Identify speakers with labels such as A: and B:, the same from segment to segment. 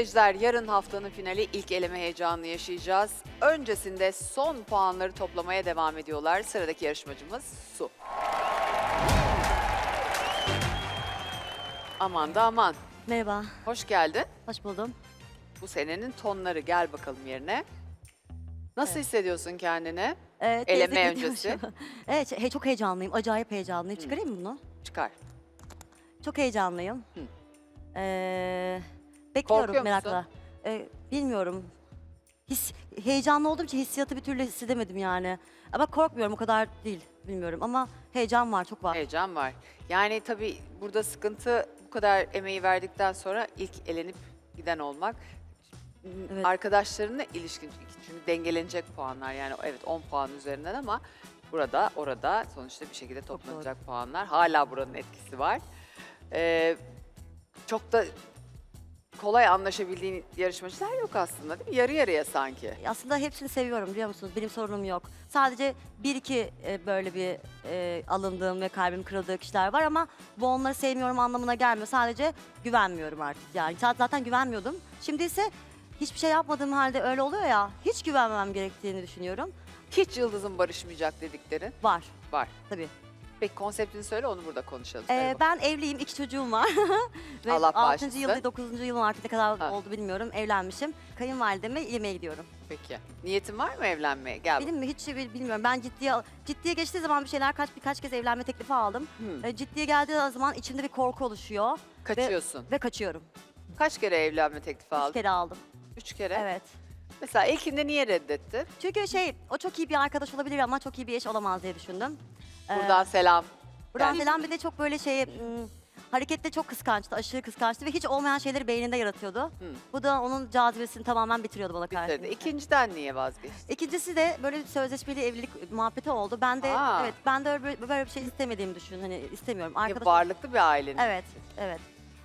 A: seyirciler, yarın haftanın finali ilk eleme heyecanını yaşayacağız. Öncesinde son puanları toplamaya devam ediyorlar. Sıradaki yarışmacımız Su. Aman da aman.
B: Merhaba,
A: Hoş geldin.
B: hoş buldum.
A: Bu senenin tonları. Gel bakalım yerine. Nasıl hissediyorsun kendini?
B: Teyze
A: Eleme
B: gidiyormuş.
A: öncesi.
B: Evet, çok heyecanlıyım, acayip heyecanlıyım. Çıkarayım mı bunu?
A: Çıkar.
B: Çok heyecanlıyım.
A: Hı.
B: Bekliyorum
A: Korkuyor
B: merakla. Bilmiyorum. Heyecanlı olduğum için hissiyatı bir türlü hissedemedim yani. Ama korkmuyorum, o kadar değil, bilmiyorum. Ama heyecan var, çok var.
A: Heyecan var. Yani tabii burada sıkıntı bu kadar emeği verdikten sonra ilk elenip giden olmak.
B: Evet.
A: Arkadaşlarınla ilişkin çünkü dengelenecek puanlar yani evet 10 puan üzerinden ama burada orada sonuçta bir şekilde toplanacak puanlar. Hala buranın etkisi var. Çok da kolay anlaşabildiğin yarışmacılar yok aslında değil mi? Yarı yarıya sanki.
B: Aslında hepsini seviyorum biliyor musunuz? Benim sorunum yok. Sadece bir iki böyle bir alındığım ve kalbim kırıldığı kişiler var ama bu onları sevmiyorum anlamına gelmiyor. Sadece güvenmiyorum artık yani. Zaten güvenmiyordum. Şimdi ise hiçbir şey yapmadığım halde öyle oluyor ya. Hiç güvenmemem gerektiğini düşünüyorum.
A: Hiç yıldızın barışmayacak dediklerin
B: Var
A: var.
B: tabii.
A: Peki konseptini söyle onu burada konuşalım. Söyle bakalım.
B: Ben evliyim, 2 çocuğum var. Ve
A: Allah
B: 6.
A: bağışlasın.
B: yıl, 9. yılım artık ne kadar
A: Ha.
B: oldu bilmiyorum. Evlenmişim. Kayınvalideme yemeğe gidiyorum.
A: Peki. Niyetin var mı evlenmeye? Gel
B: Benim mi hiç bilmiyorum. Ben ciddiye geçtiği zaman bir şeyler birkaç kez evlenme teklifi aldım.
A: bakalım.
B: Ciddiye geldiği zaman içimde bir korku oluşuyor
A: Kaçıyorsun.
B: ve kaçıyorum.
A: Kaç kere evlenme teklifi
B: 3
A: aldın?
B: kere aldım.
A: 3 kere.
B: Evet.
A: Mesela ilkinde niye reddetti?
B: Çünkü o çok iyi bir arkadaş olabilir ama çok iyi bir eş olamaz diye düşündüm.
A: Buradan selam.
B: Buradan
A: Yani-
B: selam bir de çok böyle harekette çok kıskançtı, aşırı kıskançtı ve hiç olmayan şeyleri beyninde yaratıyordu. Bu da onun cazibesini tamamen bitiriyordu bana karşı.
A: Bitirdi. İkinciden niye vazgeçtin?
B: İkincisi de böyle sözleşmeli evlilik muhabbeti oldu. Ben de
A: Aa.
B: evet ben de böyle bir şey istemediğimi düşün. Hani istemiyorum.
A: Ya
B: Arkadaş
A: varlıklı bir ailenin.
B: Evet, evet.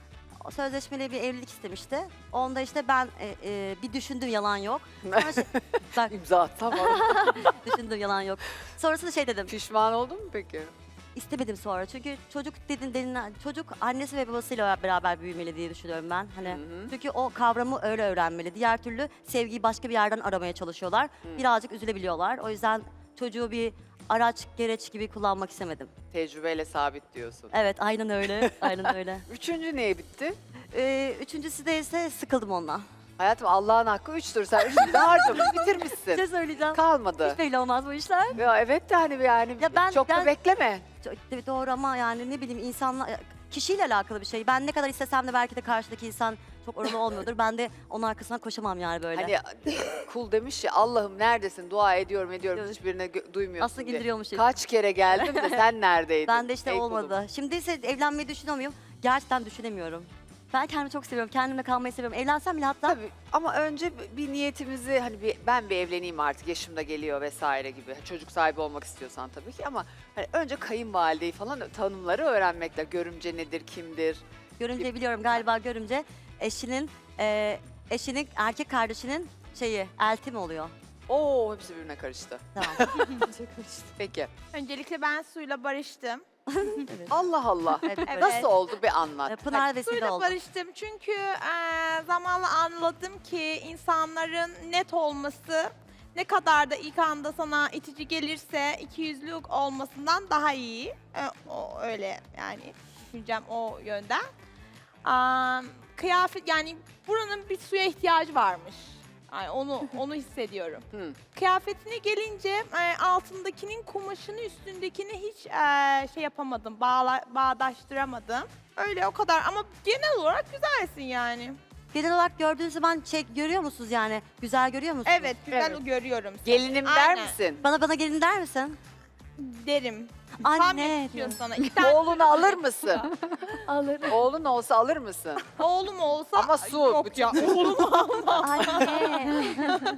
B: O sözleşmeli bir evlilik istemişti. Onda işte ben bir düşündüm yalan yok. Sonra bak
A: İmza atsam
B: düşündüm yalan yok. Sonrasında şey dedim.
A: Pişman oldun mu peki?
B: İstemedim sonra. Çünkü çocuk çocuk annesi ve babasıyla beraber büyümeli diye düşünüyorum ben. Hani
A: Hı hı.
B: çünkü o kavramı öyle öğrenmeli. Diğer türlü sevgiyi başka bir yerden aramaya çalışıyorlar. Birazcık üzülebiliyorlar. O yüzden çocuğu bir araç, gereç gibi kullanmak istemedim.
A: Tecrübeyle sabit diyorsun.
B: Evet, aynen öyle. Aynen öyle.
A: Üçüncü niye bitti?
B: Üçüncüsü de ise sıkıldım ondan.
A: Hayatım Allah'ın hakkı üçtür. Sen üçünü de harcamış
B: Bir
A: bitirmişsin.
B: şey söyleyeceğim.
A: Kalmadı.
B: Hiç belli olmaz bu işler.
A: Ya evet de hani yani
B: Ya ben-
A: çok da
B: ben-
A: bekleme.
B: Evet, doğru ama yani ne bileyim kişiyle alakalı bir şey. Ben ne kadar istesem de belki de karşıdaki insan çok oralı olmuyordur. Ben de onun arkasından koşamam yani böyle.
A: Hani kul demiş ya Allah'ım neredesin dua ediyorum
B: Evet.
A: hiçbirine duymuyorsun
B: Aslında
A: diye.
B: indiriyormuş.
A: Kaç kere geldim de sen neredeydin?
B: Ben de işte
A: Ey
B: olmadı.
A: kulum.
B: Şimdi ise evlenmeyi düşünüyor muyum? Gerçekten düşünemiyorum. Ben kendimi çok seviyorum. Kendimle kalmayı seviyorum. Evlensem bile hatta
A: Tabii ama önce bir niyetimizi hani ben bir evleneyim artık yaşım da geliyor vesaire gibi. Çocuk sahibi olmak istiyorsan tabii ki ama hani önce kayınvalideyi falan tanımları öğrenmekle görümce nedir, kimdir?
B: görümce biliyorum galiba görümce eşinin erkek kardeşinin elti mi oluyor?
A: Oo hepsi birbirine karıştı.
B: Tamam.
A: Peki.
C: Öncelikle ben suyla barıştım.
B: Evet.
A: Allah Allah.
B: Evet.
A: Nasıl oldu bir anlat.
B: Pınar vesile
C: Suyla
B: oldu.
C: barıştım çünkü zamanla anladım ki insanların net olması ne kadar da ilk anda sana itici gelirse ikiyüzlülük olmasından daha iyi. O öyle yani düşüneceğim o yönden. Kıyafet yani buranın bir suya ihtiyacı varmış. Yani onu hissediyorum.
A: Hı.
C: Kıyafetine gelince altındakinin kumaşını üstündekini hiç şey yapamadım, bağdaştıramadım. Öyle o kadar ama genel olarak güzelsin yani.
B: Genel olarak gördüğünüz zaman görüyor musunuz yani? Güzel görüyor musunuz?
C: Evet, güzel
A: Evet.
C: görüyorum seni.
A: Gelinim der
C: Aynen,
A: misin?
B: Bana gelin der misin?
C: Derim. Tam
B: Anne.
C: yakışıyor sana. İki tane
A: Oğlunu alır mısın?
C: alırım.
A: Oğlun olsa alır mısın?
C: Oğlum olsa
A: Ama su.
C: yok ya.
B: Anne.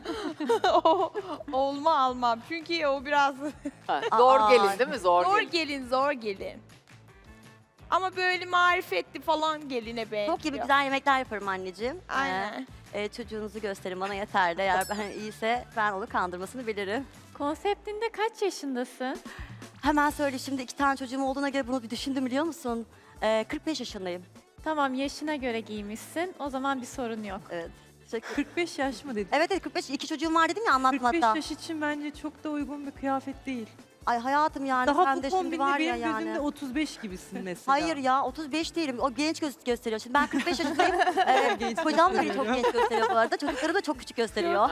C: Oğlumu almam. Çünkü o biraz
A: Ha, zor
B: Aa,
A: gelin değil mi? Zor,
C: zor
A: gelin.
C: gelin, zor gelin. Ama böyle marifetli falan geline benziyor.
B: Çok gibi güzel yemekler yaparım anneciğim.
C: Aynen.
B: Çocuğunuzu gösterin bana yeter de. Eğer ben iyiyse ben onu kandırmasını bilirim.
D: Konseptinde kaç yaşındasın?
B: Hemen söyle şimdi 2 tane çocuğum olduğuna göre bunu bir düşündüm biliyor musun? 45 yaşındayım.
D: Tamam, yaşına göre giymişsin. O zaman bir sorun yok.
B: Evet. Teşekkür.
E: 45 yaş mı dedin?
B: Evet evet 45 iki çocuğum var dedim ya
E: 45
B: anlatmakta.
E: yaş için bence çok da uygun bir kıyafet değil.
B: Ay hayatım yani
E: Daha
B: sen
E: bu
B: de şimdi
E: kombinle
B: var ya
E: benim gözümde
B: yani.
E: 35 gibisin mesela.
B: Hayır ya 35 değilim. O genç gösteriyor. Şimdi ben 45 yaşındayım.
E: Genç
B: Kocam da beni çok
E: gösteriyor.
B: genç gösteriyor bu arada. Çocuklarım da çok küçük gösteriyor.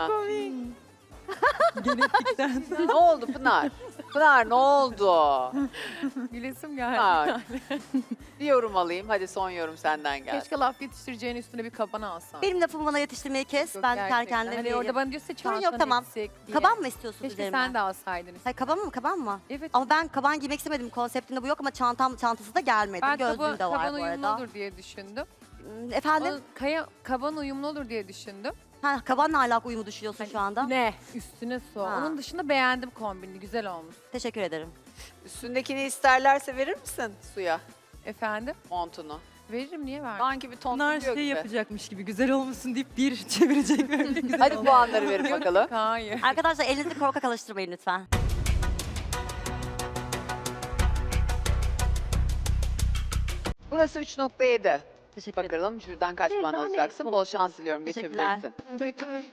E: Genetikten.
A: Ne oldu Pınar? Pınar ne oldu?
F: Gülesim geldi.
A: Pınar. Bir yorum alayım. Hadi son yorum senden geldi.
F: Keşke laf yetiştireceğin üstüne bir kaban alsan.
B: Benim lafımı bana yetiştirmeyi kes. Ben kendi kendime
F: Hani
B: vereyim.
F: orada bana diyorsa
B: Sorun yok,
F: çantanı
B: tamam.
F: eksik diye.
B: Kaban mı istiyorsun
F: Keşke
B: üzerime?
F: sen de alsaydın.
B: Hayır kaban mı kaban mı?
F: Evet.
B: Ama ben kaban giymek istemedim. Konseptinde bu yok ama çantası da gelmedi.
F: Ben
B: Gözlüğüm de var
F: kaban
B: bu
F: uyumlu
B: arada.
F: olur diye düşündüm.
B: Efendim?
F: Kaban uyumlu olur diye düşündüm.
B: Ha, kabanla alakalı uyumu düşünüyorsun şu anda.
F: Ne? Üstüne su.
B: Ha.
F: Onun dışında beğendim kombini. Güzel olmuş.
B: Teşekkür ederim.
A: Üstündekini isterlerse verir misin suya
F: Efendim?
A: montunu?
F: Veririm, niye verdim?
A: Sanki bir ton
E: Bunlar
A: tutuyor
E: şey
A: gibi.
E: yapacakmış gibi güzel olmuşsun deyip bir çevirecek böyle güzel
A: Hadi
E: olmuş.
A: puanları verin bakalım.
F: Hayır.
B: Arkadaşlar elinizi korkak alıştırmayın lütfen.
A: Burası 3.7.
B: Teşekkür ederim.
A: Bakalım şuradan kaç puan alacaksın. Bol şans diliyorum.
B: Teşekkürler.
A: Geçebilirsin.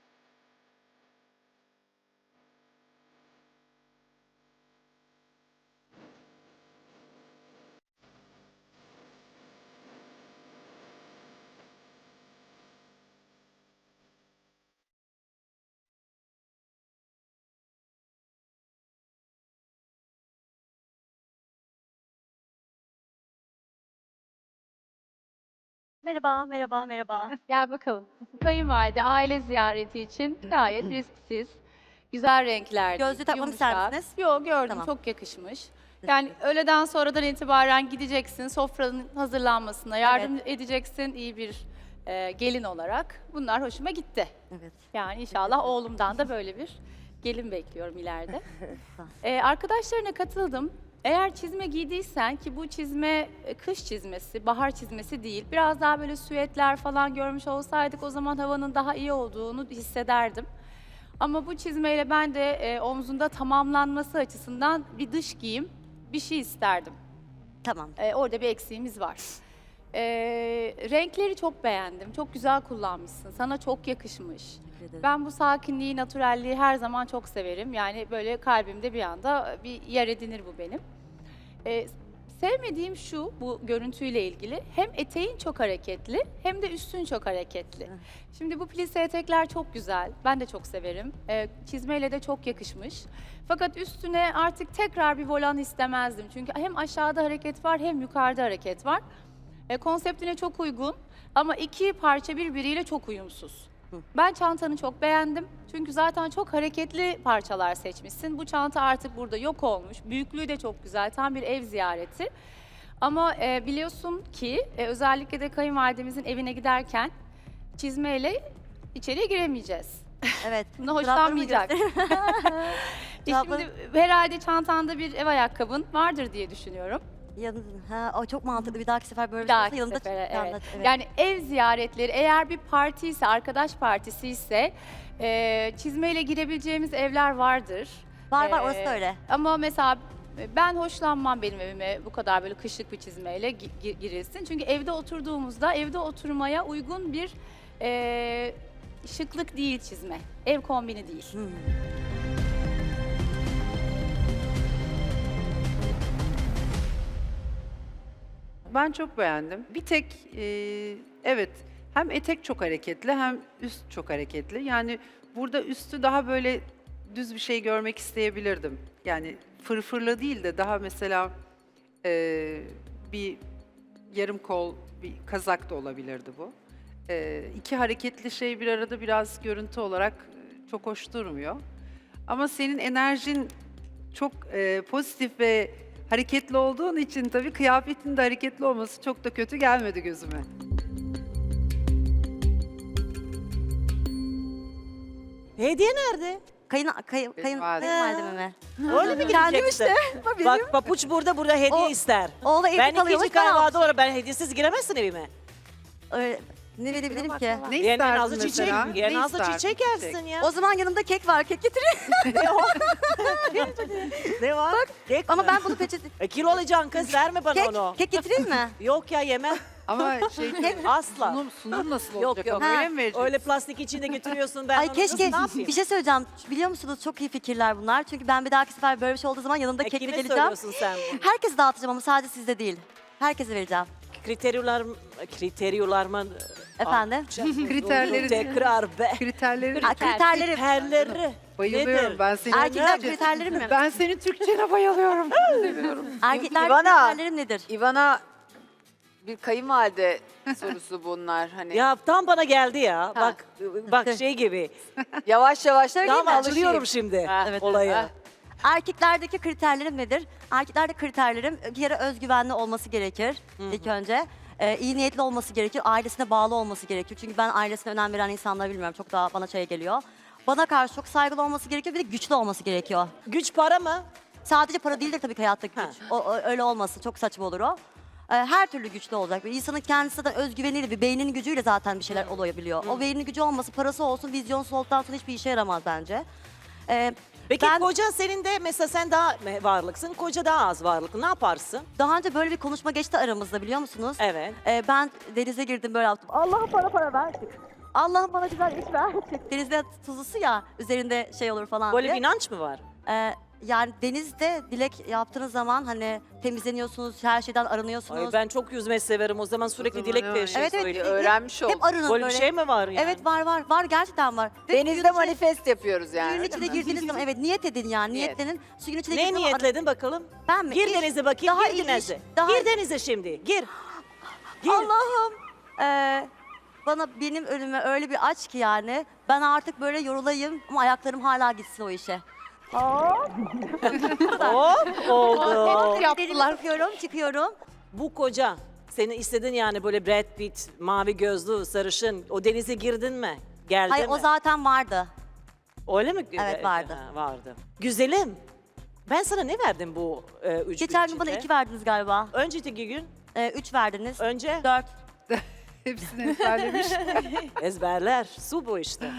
G: Merhaba, merhaba, merhaba.
D: Gel bakalım.
G: Kayınvalide aile ziyareti için gayet risksiz. Güzel renkler.
B: Gözlüğü takmamı ister misiniz?
G: Yok gördüm,
B: Tamam.
G: çok yakışmış. Yani öğleden sonradan itibaren gideceksin, sofranın hazırlanmasına yardım edeceksin iyi bir gelin olarak. Bunlar hoşuma gitti.
B: Evet.
G: Yani inşallah oğlumdan da böyle bir gelin bekliyorum ileride. Arkadaşlarına katıldım. Eğer çizme giydiysen ki bu çizme kış çizmesi, bahar çizmesi değil. Biraz daha böyle süetler falan görmüş olsaydık o zaman havanın daha iyi olduğunu hissederdim. Ama bu çizmeyle ben de omzunda tamamlanması açısından bir dış giyim bir şey isterdim.
B: Tamam.
G: Orada bir eksiğimiz var. Renkleri çok beğendim. Çok güzel kullanmışsın. Sana çok yakışmış.
B: Teşekkür ederim.
G: Ben bu sakinliği, natürelliği her zaman çok severim. Yani böyle kalbimde bir anda bir yer edinir bu benim. Sevmediğim şu, bu görüntüyle ilgili. Hem eteğin çok hareketli hem de üstün çok hareketli. Şimdi bu plise etekler çok güzel. Ben de çok severim. Çizmeyle de çok yakışmış. Fakat üstüne artık tekrar bir volan istemezdim. Çünkü hem aşağıda hareket var hem yukarıda hareket var. Konseptine çok uygun ama iki parça birbiriyle çok uyumsuz. Ben çantanı çok beğendim. Çünkü zaten çok hareketli parçalar seçmişsin. Bu çanta artık burada yok olmuş. Büyüklüğü de çok güzel. Tam bir ev ziyareti. Ama biliyorsun ki özellikle de kayınvalidemizin evine giderken çizmeyle içeriye giremeyeceğiz.
B: Evet.
G: Buna
B: Çoraplarımı
G: hoşlanmayacak.
B: Çorapları-
G: Şimdi herhalde çantanda bir ev ayakkabın vardır diye düşünüyorum.
B: Ha, o çok mantıklı. Bir dahaki sefer böyle
G: Bir
B: bir şey olsa
G: dahaki
B: yanında
G: sefere,
B: yanında-
G: evet.
B: evet.
G: Yani ev ziyaretleri eğer bir parti ise, arkadaş partisi ise çizmeyle girebileceğimiz evler vardır.
B: Var var
G: Ee,
B: orası da öyle.
G: Ama mesela ben hoşlanmam benim evime bu kadar böyle kışlık bir çizmeyle girilsin. Çünkü evde oturduğumuzda evde oturmaya uygun bir şıklık değil çizme. Ev kombini değil.
B: Hmm.
H: Ben çok beğendim. Bir tek evet hem etek çok hareketli hem üst çok hareketli. Yani burada üstü daha böyle düz bir şey görmek isteyebilirdim. Yani fırfırlı değil de daha mesela bir yarım kol bir kazak da olabilirdi bu. İki hareketli şey bir arada biraz görüntü olarak çok hoş durmuyor. Ama senin enerjin çok pozitif ve hareketli olduğun için tabii kıyafetin de hareketli olması çok da kötü gelmedi gözüme.
I: Hediye nerede?
B: Kayınvalideme mi?
I: Öyle mi
B: Kendim
I: gideceksin? Bak papuç burada hediye
B: O-
I: ister.
B: Oğlu evde
I: Ben
B: kalıyormuş.
I: ikinci kayınvalide olarak ben hediyesiz giremezsin evime.
B: Ne verebilirim ki?
H: Ne
I: Yerine
H: isterdin
I: nazlı çiçek,
H: mesela?
I: yerine
H: Ne
I: nazlı
H: isterdin?
I: çiçek yersin ya.
B: O zaman yanımda kek var. Kek getireyim.
I: Ne var? Kek
B: Ama
I: mi?
B: ben bunu peçete...
I: Kilo alacaksın kız verme bana onu.
B: Kek getireyim mi?
I: Yok ya yemem.
H: Ama şey
I: Asla.
H: sunum nasıl
I: Yok,
H: olacak?
I: yok.
H: Ama öyle
B: Ha,
H: mi vereceksin?
I: Öyle plastik içinde götürüyorsun ben
B: Ay
I: onu
B: keşke
I: ne yapayım?
B: bir şey söyleyeceğim. Biliyor musunuz çok iyi fikirler bunlar. Çünkü ben bir dahaki sefer böyle bir şey olduğu zaman yanımda kekle
I: Kime
B: geleceğim.
I: söylüyorsun sen bunu?
B: Herkese dağıtacağım ama sadece sizde değil. Herkese vereceğim.
I: Kriteryolar mı?
B: Efendim?
H: Kriterleri-
I: Tekrar be.
H: Kriterleri
B: Ha, kriterlerim.
I: Kriterleri.
H: bayılıyorum.
I: Nedir?
H: Ben senin
B: Erkekler kriterlerim mi?
H: Ben senin Türkçene bayılıyorum. Seviyorum.
B: Erkekler
A: İvana.
B: kriterlerim nedir?
A: İvana bir kayınvalide sorusu bunlar hani.
I: Ya tam bana geldi ya. Bak şey gibi.
A: Yavaş yavaş
I: Tam
A: mi?
I: açılıyorum şimdi
A: Ha,
B: evet.
I: olaya.
A: Ha.
B: Erkeklerdeki kriterlerim nedir? Erkeklerde kriterlerim bir kere özgüvenli olması gerekir ilk önce. İyi niyetli olması gerekir, ailesine bağlı olması gerekir. Çünkü ben ailesine önem veren insanları bilmiyorum. Çok daha bana şey geliyor. Bana karşı çok saygılı olması gerekiyor, bir de güçlü olması gerekiyor.
I: Güç para mı?
B: Sadece para değildir tabii ki hayattaki
I: Ha.
B: güç. Öyle olmasın, çok saçma olur o. Her türlü güçlü olacak. Bir insanın kendisi de özgüveniyle, bir beyninin gücüyle zaten bir şeyler olabiliyor. O beynin gücü olması, parası olsun, vizyonsuz olduktan sonra hiçbir işe yaramaz bence.
I: Peki
B: Ben-
I: koca senin de mesela sen daha varlıksın, koca daha az varlıklı. Ne yaparsın?
B: Daha önce böyle bir konuşma geçti aramızda biliyor musunuz?
I: Evet.
B: Ben denize girdim böyle yaptım. Allah'ım bana para ver. Allah'ım bana güzel iş ver. Denizde tuzlusu ya üzerinde şey olur falan
I: Böyle
B: diye.
I: bir inanç mı var?
B: Yani denizde dilek yaptığınız zaman hani temizleniyorsunuz, her şeyden arınıyorsunuz.
I: Ay ben çok yüzmeyi severim. O zaman sürekli
H: zaman
I: dilek
H: evet.
I: bir şey
B: Evet, evet.
I: söylüyor.
A: Öğrenmiş oldum.
B: Hep arının
I: Böyle
B: böyle.
I: bir şey mi var yani?
B: Evet var gerçekten var. Ve
A: Denizde
B: suyun içine-
A: manifest yapıyoruz yani.
B: Suyun
A: öyle
B: içine
A: mi?
B: girdiğiniz zaman evet niyet edin yani
A: Niyet.
B: niyetlenin. Suyun içine
I: Ne
B: girdiğiniz zaman
I: niyetledin bakalım?
B: ben mi?
I: Gir
B: İş,
I: denize bakayım,
B: daha
I: gir
B: iyi iş,
I: denize.
B: daha-
I: Gir denize şimdi, gir. Gir.
B: Allah'ım bana benim önüme öyle bir aç ki yani ben artık böyle yorulayım ama ayaklarım hala gitsin o işe.
I: Hop oldu.
B: Yaptılar. Çıkıyorum.
I: Bu koca. Senin istedin yani böyle Brad Pitt, mavi gözlü, sarışın. O denize girdin mi? Geldi
B: Hayır
I: mi?
B: o zaten vardı.
I: Öyle mi?
B: Evet, vardı.
I: Ha, vardı. Güzelim. Ben sana ne verdim bu 3
B: Geçen gün bana 2 verdiniz galiba.
I: Önceki gün,
B: 3 verdiniz.
I: önce
B: 4.
H: Hepsini ezberlemiş.
I: ezberler. Su bu işte.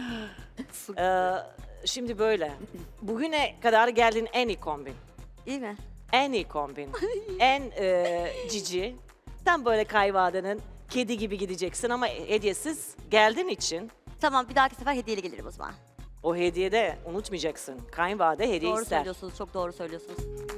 I: Şimdi böyle. Bugüne kadar geldiğin en iyi kombin.
B: İyi mi?
I: En iyi kombin. En cici. Tam böyle kayvadenin kedi gibi gideceksin ama hediyesiz geldiğin için
B: Tamam bir dahaki sefer hediyeli gelirim o zaman.
I: o hediyede unutmayacaksın. Kayınvalide hediye
B: Doğru
I: ister.
B: söylüyorsunuz. Çok doğru söylüyorsunuz.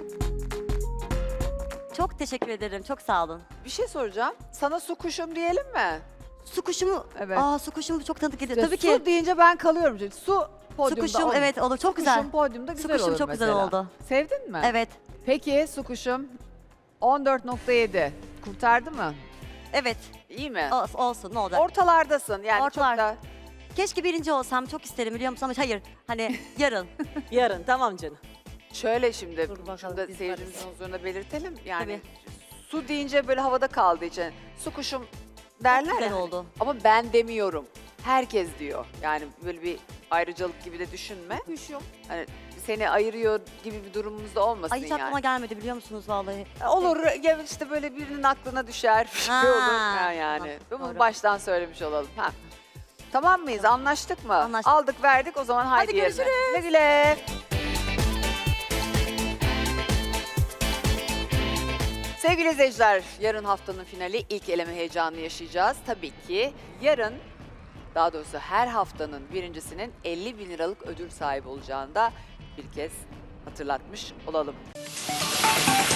B: Çok teşekkür ederim. Çok sağ olun.
A: Bir şey soracağım. Sana su kuşum diyelim mi?
B: Su kuşumu.
A: Evet.
B: Su kuşumu çok tanıdık geliyor.
A: İşte
B: Tabii
A: su
B: ki.
A: deyince ben kalıyorum. Çünkü su
B: Su
A: podyumda
B: kuşum
A: olur.
B: evet olur. Çok
A: Su
B: güzel.
A: kuşum podyumda
B: Su
A: güzel
B: kuşum
A: olur
B: çok güzel
A: mesela.
B: oldu.
A: Sevdin mi?
B: Evet.
A: Peki su kuşum 14.7 kurtardı mı?
B: Evet.
A: İyi mi?
B: Olsun ne olacak?
A: Ortalardasın yani
B: Ortalar.
A: çok da.
B: Keşke birinci olsam çok isterim biliyor musun ama hayır. Hani yarın.
I: Yarın tamam canım.
A: Şöyle şimdi
I: Dur bakalım,
A: şunu da
I: biz
A: seyircimizin huzuruna belirtelim. Yani
B: Tabii.
A: su deyince böyle havada kaldığı için su kuşum derler
B: Çok güzel
A: ya.
B: oldu.
A: Ama ben demiyorum. Herkes diyor. Yani böyle bir ayrıcalık gibi de düşünme. Kuşum. Hani seni ayırıyor gibi bir durumumuz da olmasın
B: Ay hiç
A: yani.
B: aklıma gelmedi biliyor musunuz vallahi.
A: Olur ya işte böyle birinin aklına düşer bir şey
B: Ha,
A: olur ha yani.
B: tamam,
A: Bunu
B: doğru.
A: baştan söylemiş olalım. Ha. Tamam mıyız? Anlaştık mı?
B: Anlaştık.
A: Aldık verdik o zaman haydi yerine.
B: görüşürüz.
A: Güle güle. Sevgili izleyiciler, yarın haftanın finali ilk eleme heyecanını yaşayacağız. Tabii ki yarın, daha doğrusu her haftanın birincisinin 50.000 liralık ödül sahibi olacağını da bir kez hatırlatmış olalım.